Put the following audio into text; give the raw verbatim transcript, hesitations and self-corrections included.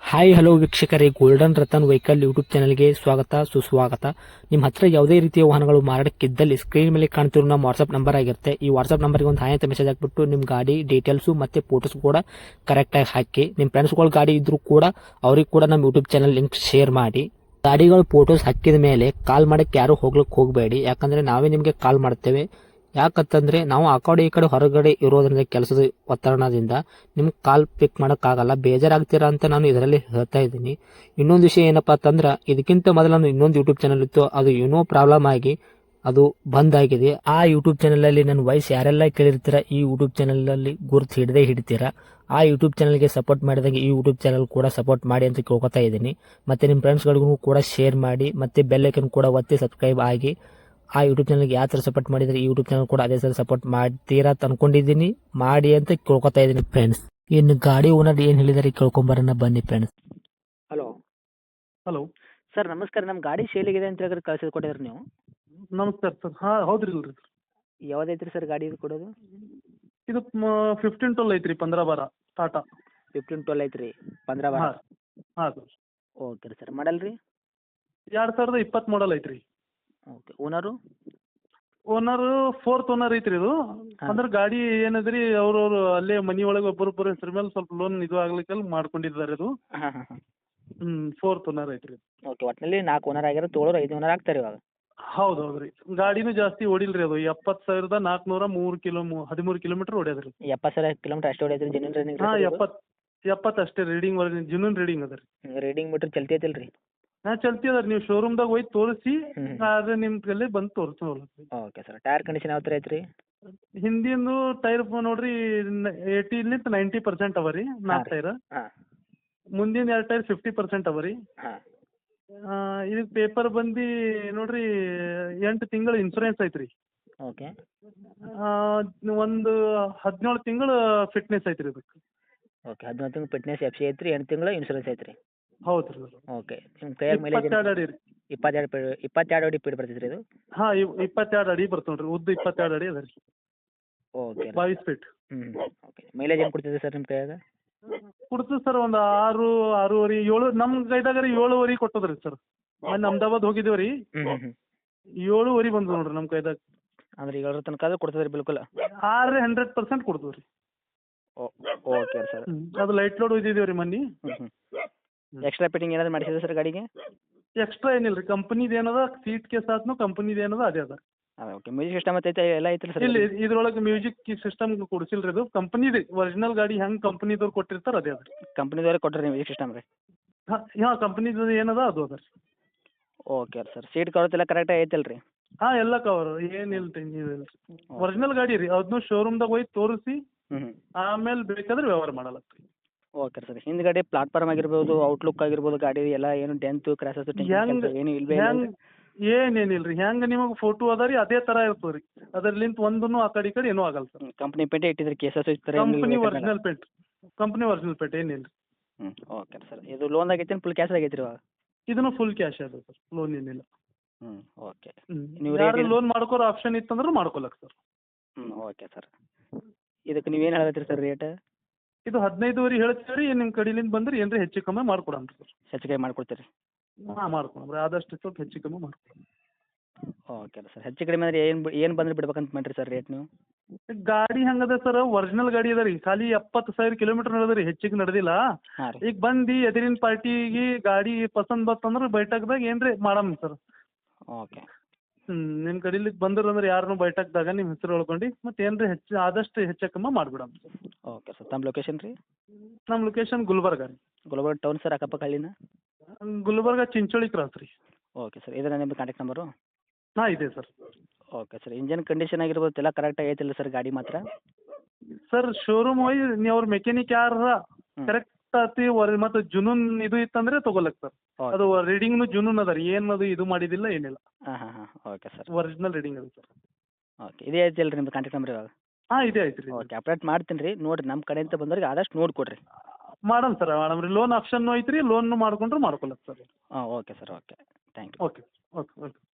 Hi hello ವೀಕ್ಷಕರೇ, golden Ratan vehicle YouTube ಚಾನಲ್ಗೆ ಸ್ವಾಗತ ಸುಸ್ವಾಗತ. ನಿಮ್ಮ ಹತ್ರ ಯಾವುದೇ ರೀತಿಯ ವಾಹನಗಳು ಮಾರಾಟಕ್ಕಿದ್ದಲ್ಲಿ ಸ್ಕ್ರೀನ್ ಮೇಲೆ ಕಾಣ್ತಿರೋ ನಮ್ಮ ವಾಟ್ಸ್ಆಪ್ ನಂಬರ್ ಆಗಿರುತ್ತೆ. ಈ ವಾಟ್ಸ್ಆಪ್ ನಂಬರ್ಗೆ ಒಂದು ಹಾಯ್ ಅಂತ ಮೆಸೇಜ್ ಹಾಕ್ಬಿಟ್ಟು ನಿಮ್ಮ ಗಾಡಿ ಡೀಟೇಲ್ಸು ಮತ್ತೆ ಫೋಟೋಸ್ ಕೂಡ ಕರೆಕ್ಟಾಗಿ ಹಾಕಿ. ನಿಮ್ಮ ಫ್ರೆಂಡ್ಸ್ಗಳ ಗಾಡಿ ಇದ್ರೂ ಕೂಡ ಅವ್ರಿಗೆ ಕೂಡ ನಮ್ಮ ಯೂಟ್ಯೂಬ್ ಚಾನಲ್ ಲಿಂಕ್ ಶೇರ್ ಮಾಡಿ. ಗಾಡಿಗಳು ಫೋಟೋಸ್ ಹಾಕಿದ ಮೇಲೆ ಕಾಲ್ ಮಾಡಕ್ಕೆ ಯಾರು ಹೋಗ್ಲಿಕ್ಕೆ ಹೋಗಬೇಡಿ, ಯಾಕಂದ್ರೆ ನಾವೇ ನಿಮಗೆ ಕಾಲ್ ಮಾಡ್ತೇವೆ. ಯಾಕಂತಂದ್ರೆ ನಾವು ಆ ಕಡೆ ಈ ಕಡೆ ಹೊರಗಡೆ ಇರೋದ್ರಿಂದ ಕೆಲಸದ ಒತ್ತಡದಿಂದ ನಿಮ್ಗೆ ಕಾಲ್ ಪಿಕ್ ಮಾಡೋಕ್ಕಾಗಲ್ಲ, ಬೇಜಾರಾಗ್ತೀರಾ ಅಂತ ನಾನು ಇದರಲ್ಲಿ ಹೇಳ್ತಾ ಇದ್ದೀನಿ. ಇನ್ನೊಂದು ವಿಷಯ ಏನಪ್ಪಾ ಅಂತಂದ್ರೆ, ಇದಕ್ಕಿಂತ ಮೊದಲು ನಾನು ಇನ್ನೊಂದು ಯೂಟ್ಯೂಬ್ ಚಾನಲ್ ಇತ್ತು, ಅದು ಏನೋ ಪ್ರಾಬ್ಲಮ್ ಆಗಿ ಅದು ಬಂದ್ ಆಗಿದೆ. ಆ ಯೂಟ್ಯೂಬ್ ಚಾನಲ್ ಅಲ್ಲಿ ನನ್ನ ವಾಯ್ಸ್ ಯಾರೆಲ್ಲ ಕೇಳಿರ್ತೀರಾ, ಈ ಯೂಟ್ಯೂಬ್ ಚಾನಲ್ ಅಲ್ಲಿ ಗುರುತು ಹಿಡದೆ ಹಿಡಿತೀರಾ. ಆ ಯೂಟ್ಯೂಬ್ ಚಾನಲ್ಗೆ ಸಪೋರ್ಟ್ ಮಾಡಿದಾಗ ಈ ಯೂಟ್ಯೂಬ್ ಚಾನಲ್ ಕೂಡ ಸಪೋರ್ಟ್ ಮಾಡಿ ಅಂತ ಕೇಳ್ಕೊತಾ ಇದ್ದೀನಿ. ಮತ್ತೆ ನಿಮ್ಮ ಫ್ರೆಂಡ್ಸ್ಗಳಿಗೂ ಕೂಡ ಶೇರ್ ಮಾಡಿ, ಮತ್ತೆ ಬೆಲ್ ಐಕನ್ ಕೂಡ ಒತ್ತಿ ಸಬ್ಸ್ಕ್ರೈಬ್ ಆಗಿ. ಆ ಯೂಟ್ಯೂಬ್ ಚಾನಲ್ಗೆ ಯಾವ ಥರ ಸಪೋರ್ಟ್ ಮಾಡಿದರೆ ಈ ಯೂಟ್ಯೂಬ್ ಚಾನಲ್ ಕೂಡ ಅದೇ ಥರ ಸಪೋರ್ಟ್ ಮಾಡ್ತೀರಾ ಅಂತ ಅನ್ಕೊಂಡಿದ್ದೀನಿ. ಮಾಡಿ ಅಂತ ಕೇಳ್ಕೊತಾ ಇದ್ದೀನಿ ಫ್ರೆಂಡ್ಸ್. ಇನ್ನು ಗಾಡಿ ಓನರ್ ಏನು ಹೇಳಿದಾರೆ ಕೇಳ್ಕೊಂಬರೋಣ ಬನ್ನಿ ಫ್ರೆಂಡ್ಸ್. ಹಲೋ ಹಲೋ ಸರ್, ನಮಸ್ಕಾರ. ನಮ್ಮ ಗಾಡಿ ಸೇಲಿಗಿದೆ ಅಂತ ಹೇಳಿದ್ರೆ ಕಳ್ಸಿದ್ ಕೊಟ್ಟಿದ್ರಿ ನೀವು. ನಮಸ್ಕಾರ ಸರ್. ಹಾಂ ಹೌದ್ರಿ ಇಲ್ರಿ ಸರ್. ಯಾವ್ದೈತ್ರಿ ಸರ್ ಗಾಡಿ ಇದು ಕೊಡೋದು? ಇದು ಫಿಫ್ಟೀನ್ ಟ್ವೆಲ್ ಐತ್ರಿ, ಪಂದ್ರ ಬಾರ ಟಾಟಾ. ಫಿಫ್ಟೀನ್ ಟ್ವೆಲ್ ಐತ್ರಿ, ಪಂದ್ರ ಬಾರ. ಹಾಂ ಹಾಂ ಸರ್. ಓಕೆ ರೀ ಸರ್. ಮಾಡಲ್ ರೀ? ಎರಡು ಸಾವಿರದ ಇಪ್ಪತ್ತು ಮಾಡಲ್ ಐತ್ರಿ. Okay. Owner? Owner fourth owner ಐತ್ರಿ ಇದು. ಹಾ. ಅಂದ್ರೆ ಗಾಡಿ ಏನದ್ರಿ, ಅವ್ರವ್ರು ಅಲ್ಲೇ ಮನಿ ಒಳಗೆ ಒಬ್ಬರೊಬ್ಬರ ಹೆಸರು ಮೇಲೆ ಸ್ವಲ್ಪ ಲೋನ್ ಇದು ಆಗ್ಲಿಕ್ಕೆ ಮಾಡ್ಕೊಂಡಿದ್ದಾರೆ ಇದು. ಹಾಂ ಹಾಂ ಹಾಂ. ಹ್ಞೂ ಫೋರ್ತ್ ಓನರ್ ಐತ್ರಿ. ಓಕೆ. ಒಟ್ಟಿನಲ್ಲಿ ನಾಲ್ಕು ಓನರ್ ಆಗಿರೋ, ತೊಗೊಳೋರು ಐದು ಓನರ್ ಆಗ್ತಾರೆ ಇವಾಗ. ಹೌದು ಹೌದ್ರಿ. ಗಾಡಿನೂ ಜಾಸ್ತಿ ಓಡಿಲ್ರಿ, ಅದು ಎಪ್ಪತ್ತು ಸಾವಿರದ ನಾಲ್ಕುನೂರ ಮೂರು ಕಿಲೋ ಹದಿಮೂರು ಕಿಲೋಮೀಟರ್ ಓಡ್ಯದ್ರಿ. ಎಪ್ಪತ್ತು ಸಾವಿರ ಕಿಲೋಮೀಟರ್ ಅಷ್ಟೇ ಹೊಡೆದ್ರಿ. Genuine running? ಹಾಂ ಎಪ್ಪತ್ತು ಎಪ್ಪತ್ತು ಅಷ್ಟೇ ರೀಡಿಂಗ್ ವರ್ಗ ಜುನೂನ್ ರೀಡಿಂಗ್ ಅದ ರೀ. ರೀಡಿಂಗ್ ಮೀಟರ್ ಚಲ್ತಿ ಐತಿಲ್ಲ ರೀ? ಹಾಂ ಚಲ್ತಿ ಅದ ರೀ. ನೀವು ಶೋರೂಮ್ದಾಗ ಹೋಗಿ ತೋರಿಸಿ, ಹ್ಮ್. ಆದ್ರೆ ನಿಮ್ಮ ಕೈಲೇ ಬಂದು ತೋರಿಸೋಲ್ಲ. Okay sir. ಟೈರ್ ಕಂಡೀಷನ್ ಯಾವ ಥರ ಐತ್ರಿ? ಹಿಂದಿಂದು ಟೈರ್ ನೋಡ್ರಿ ಏಯ್ಟಿಲಿಂದ ನೈಂಟಿ ಪರ್ಸೆಂಟ್ ಅವ ರೀ, ನಾಲ್ಕು ಟೈರ್. ಹಾಂ ಮುಂದಿನ ಎರಡು ಟೈರ್ ಫಿಫ್ಟಿ ಪರ್ಸೆಂಟ್ ಅವ ರೀ. ಹಾಂ. ಇದಕ್ಕೆ ಪೇಪರ್ ಬಂದು ನೋಡ್ರಿ ಎಂಟು ತಿಂಗಳು ಇನ್ಸೂರೆನ್ಸ್ ಐತ್ರಿ. ಓಕೆ. ಒಂದು ಹದಿನೇಳು ತಿಂಗಳು ಫಿಟ್ನೆಸ್ ಐತ್ರಿ ಇದಕ್ಕೆ. ಓಕೆ. ಹದಿನೇಳು ತಿಂಗಳು ಫಿಟ್ನೆಸ್ ಎಫ್ ಸಿ ಐತ್ರಿ, ಎಂಟು ತಿಂಗಳು ಇನ್ಶೂರೆನ್ಸ್ ಐತ್ರಿ. ಹೌದು ರೀ. ಓಕೆ. ನಿಮ್ಮ ಕೈಯಾಗ ಮೈಲೇಜ್ ಇಪ್ಪತ್ತೆರಡು ಅಡಿ ರೀ. ಇಪ್ಪತ್ತೆರಡು ಪಿ ಇಪ್ಪತ್ತೆರಡು ಅಡಿ ಪೀಡ್ ಬರ್ತೈತೆ ರೀ ಇದು? ಹಾಂ ಇಪ್ಪತ್ತೆರಡು ಅಡಿ ಬರ್ತಾವೆ ನೋಡ್ರಿ, ಉದ್ದ ಇಪ್ಪತ್ತೆರಡು ಅಡಿ ಅದ ರೀ. ಓಕೆ. ಬಾವಿಸ್ ಫೀಟ್. ಹ್ಞೂ. ಓಕೆ. ಮೈಲೇಜ್ ಏನು ಕೊಡ್ತಿದೆ ಸರ್ ನಿಮ್ಮ ಕೈಯಾಗ? ಕೊಡ್ತದೆ ಸರ್, ಒಂದು ಆರು ಆರೂವರೆ ಏಳು. ನಮ್ಮ ಕೈದಾಗ ರೀ ಏಳುವರೆ ಕೊಟ್ಟದ್ರಿ ಸರ್. ಮೊನ್ನೆ ಅಹಮದಾಬಾದ್ ಹೋಗಿದ್ದೇವೆ ರೀ, ಹ್ಞೂ ಹ್ಞೂ. ಏಳುವರೆ ಬಂದು ನೋಡ್ರಿ ನಮ್ಮ ಕೈದಾಗ. ಅಂದ್ರೆ ಏಳರ ತನಕ ಅದು ಕೊಡ್ತದೆ ರೀ ಬಿಲ್ಕುಲ್? ಆರು ಹಂಡ್ರೆಡ್ ಪರ್ಸೆಂಟ್ ಕೊಡ್ತೀವಿ ರೀ. Okay sir. ಅದು ಲೈಟ್ ಲೋಡ್ ಒಯ್ದಿದ್ದೀವಿ ರೀ ಮೊನ್ನೆ. ಹ್ಞೂ ಹ್ಞೂ. ಎಕ್ಸ್ಟ್ರಾ ಫಿಟ್ಟಿಂಗ್ ಏನಾದ್ರು ಮಾಡಿಸಿದೆ ಸರ್ ಗಾಡಿಗೆ? ಎಕ್ಸ್ಟ್ರಾ ಏನಿಲ್ಲ ರೀ. ಕಂಪ್ನಿದು ಏನದ ಸೀಟ್ ಕೇಸ್ ಆದ್ನು ಕಂಪ್ನಿದು ಏನದ ಅದೇ ಅದ. ಹಾಂ. ಓಕೆ. ಮ್ಯೂಸಿಕ್ ಸಿಸ್ಟಮ್ ಐತೆ ಎಲ್ಲ ಐತ್ರಿ ಸರ್? ಇಲ್ಲಿ ಇದ್ರೊಳಗೆ ಮ್ಯೂಸಿಕ್ ಸಿಸ್ಟಮ್ ಕೊಡಿಸಿಲ್ಲ ರೀ. ಇದು ಕಂಪ್ನಿದು ಒರಿಜಿನಲ್ ಗಾಡಿ ಹೆಂಗೆ ಕಂಪ್ನಿದವ್ರು ಕೊಟ್ಟಿರ್ತಾರೆ ಅದೇ ಅದ ರೀ. ಕಂಪ್ನಿದವ್ರೆ ಕೊಟ್ಟರೆ ಮ್ಯೂಸಿಕ್ ಸಿಸ್ಟಮ್ ರೀ? ಹಾಂ ಹಾಂ ಕಂಪ್ನಿದು ಏನದ ಅದು ಅದ ರೀ. Okay sir. ಸೀಟ್ ಕವರ್ಸ್ ಎಲ್ಲ ಕರೆಕ್ಟಾಗಿ ಐತಲ್ಲ ರೀ? ಹಾಂ ಎಲ್ಲ ಕವರ್, ಏನಿಲ್ಲ ರೀ, ನೀವಿಲ್ಲ ರೀ. ಒರಿಜಿನಲ್ ಗಾಡಿ ರೀ, ಅದನ್ನು ಶೋರೂಮ್ದಾಗ ಹೋಗಿ ತೋರಿಸಿ ಹ್ಞೂ ಹ್ಞೂ. ಆಮೇಲೆ ಬೇಕಾದ್ರೆ ವ್ಯವಹಾರ ಮಾಡಲಕ್ಕ ರೀ. Okay sir. ಹಿಂದ್ಗಡೆ ಪ್ಲಾಟ್ಫಾರ್ಮ್ ಆಗಿರ್ಬೋದು, ಔಟ್ಲುಕ್ ಆಗಿರ್ಬೋದು, ಗಾಡಿ ಎಲ್ಲ ಏನು ಡೆಂತು ಕ್ರಾಸಸ್ ಹೆಂಗ್ ಏನು ಇಲ್ವೇ ಹೆಂಗ್ ಏನೇನಿಲ್ಲ ರೀ. ಹೆಂಗೆ ನಿಮಗೆ ಫೋಟೋ ಅದ ರೀ ಅದೇ ಥರ ಇರ್ತದೆ ರೀ. ಅದರ್ಲಿಂತ ಒಂದೂ ಆ ಕಡೆ ಈ ಕಡೆ ಏನೂ ಆಗಲ್ಲ ಸರ್. ಕಂಪ್ನಿ ಪೇಂಟೇ ಇಟ್ಟಿದ್ರೆ ಕೇಸಸ್ ಇರ್ತಾರೆ? Company original paint, company original paint ಏನಿಲ್ಲ ರೀ. ಹ್ಞೂ. Okay sir. ಇದು ಲೋನ್ ಆಗೈತೆ ಫುಲ್ ಕ್ಯಾಶ್ ಆಗೈತೆ ರೀ ಇವಾಗ? ಇದನ್ನು ಫುಲ್ ಕ್ಯಾಶ್ ಅದ ಸರ್, ಲೋನ್ ಏನಿಲ್ಲ. ಹ್ಞೂ. ಓಕೆ. ಹ್ಞೂ ನೀವು ಯಾರು ರೇಟ್ ಲೋನ್ ಮಾಡ್ಕೊರೋ ಆಪ್ಷನ್ ಇತ್ತಂದ್ರೆ ಮಾಡ್ಕೊಳಕ್ಕೆ ಸರ್. ಹ್ಞೂ. Okay sir. ಇದಕ್ಕೆ ನೀವೇನು ಹೇಳತ್ತೀರಿ ಸರ್ ರೇಟ್? ಇದು ಹದಿನೈದುವರೆ ಹೇಳ್ತೀವಿ ರೀ. ನಿಮ್ಮ ಕಡೆಲಿಂದ ಬಂದ್ರೆ ಏನ್ರಿ ಹೆಚ್ಚು ಕಮ್ಮಿ ಮಾಡ್ಕೊಡಣ ಸರ್. ಹೆಚ್ಚು ಕಮ್ಮಿ ಮಾಡ್ಕೊಡ್ತೀರಿ? ಹಾಂ ಮಾಡ್ಕೊಡಮ್ ರೀ, ಆದಷ್ಟು ಸ್ವಲ್ಪ ಹೆಚ್ಚು ಕಮ್ಮಿ ಮಾಡ್ಕೊಡಮ್. Okay sir. ಹೆಚ್ಚು ಕಡಿಮೆ ಅಂದರೆ ಏನು ಏನು ಬಂದರೆ ಬಿಡ್ಬೇಕಂತ ಮಾಡಿರಿ ಸರ್ ರೇಟ್ ನೀವು? ಗಾಡಿ ಹೆಂಗದ ಸರ್, ಒರಿಜಿನಲ್ ಗಾಡಿ ಅದ ರೀ. ಖಾಲಿ ಎಪ್ಪತ್ತು ಸಾವಿರ ಕಿಲೋಮೀಟರ್ ನಡೆದ ರೀ, ಹೆಚ್ಚಿಗೆ ನಡೆದಿಲ್ಲ. ಹಾಂ ರೀ. ಈಗ ಬಂದು ಎದುರಿನ ಪಾರ್ಟಿಗೆ ಗಾಡಿ ಪಸಂದ್ ಬತ್ತಂದ್ರೆ ಬೈಟಕ್ದಾಗ ಏನ್ರಿ ಮಾಡಮ್ ಸರ್. ಓಕೆ. ಹ್ಞೂ ನಿಮ್ಮ ಕಡೆಲಿ ಬಂದ್ರೆ ಅಂದ್ರೆ ಯಾರನ್ನೂ ಬೈಟಕ್ದಾಗ ನಿಮ್ಮ ಹೆಸರು ಹೇಳ್ಕೊಂಡು ಮತ್ತೆ ಏನ್ರಿ ಹೆಚ್ಚು ಆದಷ್ಟು ಹೆಚ್ಚು ಕಮ್ಮಿ ಮಾಡಿಬಿಡಮ್ ಸರ್. Okay sir. ತಮ್ಮ ಲೊಕೇಶನ್ ರೀ? ನಮ್ಮ ಲೊಕೇಶನ್ ಗುಲ್ಬರ್ಗ ರೀ. ಗುಲ್ಬರ್ಗ ಟೌನ್ ಸರ್, ಅಕ್ಕಪಕ್ಕ ಹಳ್ಳಿನ? ಗುಲ್ಬರ್ಗ ಚಿಂಚೋಳಿ ಕ್ರಾಸ್ ರೀ. Okay sir. ಇದರ ನಿಮ್ಮ ಕಾಂಟ್ಯಾಕ್ಟ್ ನಂಬರು? ಹಾಂ ಇದೆ sir. Okay sir. Engine condition ಆಗಿರ್ಬೋದು ಎಲ್ಲ ಕರೆಕ್ಟಾಗಿ ಐತಿಲ್ಲ ಸರ್ ಗಾಡಿ ಮಾತ್ರ? ಸರ್ ಶೋರೂಮ್ ಹೋಗಿ ನೀವು ಅವ್ರ ಮೆಕ್ಯಾನಿಕ್ ಯಾರ ಹ್ಞೂ. ಕರೆಕ್ಟ್ ಆತಿ ವರ್ ಮತ್ತು ಜುನೂನ್ ಇದು ಇತ್ತಂದ್ರೆ ತೊಗೊಳಕ್ ಸರ್. ಓಕೆ. ಅದು ರೀಡಿಂಗ್ನು ಜುನೂನ್ ಅದ ರೀ, ಏನದು ಇದು ಮಾಡಿದಿಲ್ಲ ಏನಿಲ್ಲ. ಹಾಂ ಹಾಂ ಹಾಂ. Okay sir. ಒರಿಜಿನಲ್ ರೀಡಿಂಗ್ ಅದು ಸರ್. ಓಕೆ. ಇದೇ ಐತಿಲ್ಲ ರೀ ನಿಮ್ದು ಕಾಂಟ್ಯಾಕ್ಟ್ ನಂಬರ್ ಇವಾಗ? ಹಾಂ ಇದೆ ಐತೆ ರೀ. ಓಕೆ. ಅಪ್ಡೇಟ್ ಮಾಡ್ತೀನಿ ರೀ. ನೋಡಿರಿ ನಮ್ಮ ಕಡೆಯಿಂದ ಬಂದವ್ರಿಗೆ ಆದಷ್ಟು ನೋಡಿ ಕೊಡಿರಿ. ಮಾಡಮ್ ಸರ್, ಮಾಡಮ್ ರೀ. ಲೋನ್ ಆಪ್ಷನ್ನು ಐತೆ ರೀ, ಲೋನ್ ಮಾಡ್ಕೊಂಡ್ರೆ ಮಾಡ್ಕೊಳಕ್ ಸರ್. ಹಾಂ. Okay sir. Okay. Thank you. Okay okay okay.